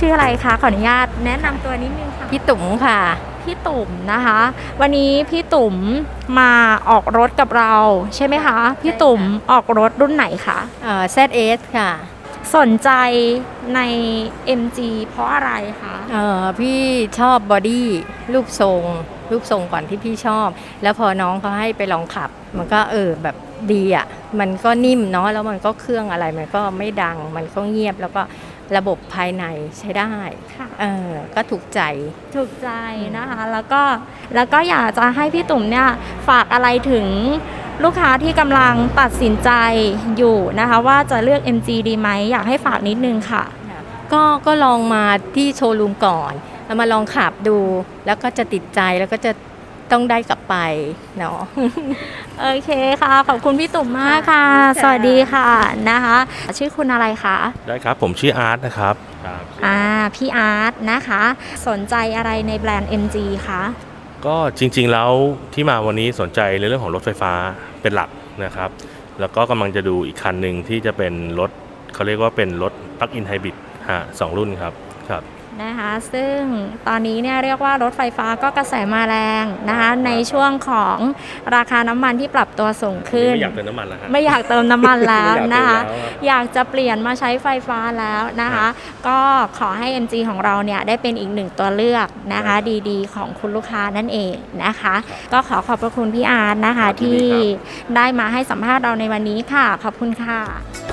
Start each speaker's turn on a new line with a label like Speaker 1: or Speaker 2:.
Speaker 1: ชื่ออะไรคะขออนุญาตแนะนำตัวนิดนึงค่ะ
Speaker 2: พี่ตุ๋มค่ะ
Speaker 1: พี่ตุ่มนะคะวันนี้พี่ตุ่มมาออกรถกับเราใช่ไหมคะพี่ตุ่มออกรถรุ่นไหนคะ
Speaker 2: ZS ค่ะ
Speaker 1: สนใจใน MG เพราะอะไรคะ
Speaker 2: พี่ชอบบอดี้รูปทรงก่อนที่พี่ชอบ แล้วพอน้องเขาให้ไปลองขับ มันก็แบบดีอ่ะมันก็นิ่มเนาะแล้วมันก็เครื่องอะไรมันก็ไม่ดังมันก็เงียบแล้วก็ระบบภายในใช้ได้ก็ถูกใจ
Speaker 1: นะคะแล้วก็อยากจะให้พี่ตุ่มเนี่ยฝากอะไรถึงลูกค้าที่กำลังตัดสินใจอยู่นะคะว่าจะเลือก MG ดีไหมอยากให้ฝากนิดนึงค่ะ
Speaker 2: ก็ลองมาที่โชว์รูมก่อนแล้วมาลองขับดูแล้วก็จะติดใจแล้วก็จะต้องได้กลับไปเนาะ
Speaker 1: โอเคค่ะขอบคุณพี่ตุ่มมากค่ะสวัสดีค่ะนะคะชื่อคุณอะไรคะ
Speaker 3: ได้ครับผมชื่ออาร์ตนะครับ
Speaker 1: พี่อาร์ตนะคะสนใจอะไรในแบรนด์ MG คะ
Speaker 3: ก็จริงๆแล้วที่มาวันนี้สนใจในเรื่องของรถไฟฟ้าเป็นหลักนะครับแล้วก็กำลังจะดูอีกคันหนึ่งที่จะเป็นรถเขาเรียกว่าเป็นรถ Plug-in Hybrid 2 รุ่นครับ
Speaker 1: นะคะซึ่งตอนนี้เนี่ยเรียกว่ารถไฟฟ้าก็กระแสมาแรงนะคะในช่วงของราคาน้ำมันที่ปรับตัวสูงขึ้น
Speaker 3: ไม่อยากเติมน้ำมันแล้ว
Speaker 1: ไม่อยากเติมน้ำมันแล้วนะคะอยากจะเปลี่ยนมาใช้ไฟฟ้าแล้วนะคะก็ขอให้ MG ของเราเนี่ยได้เป็นอีกหนึ่งตัวเลือกนะคะดีๆของคุณลูกค้านั่นเองนะคะก็ขอบพระคุณพี่อาร์ตนะคะที่ได้มาให้สัมภาษณ์เราในวันนี้ค่ะขอบคุณค่ะ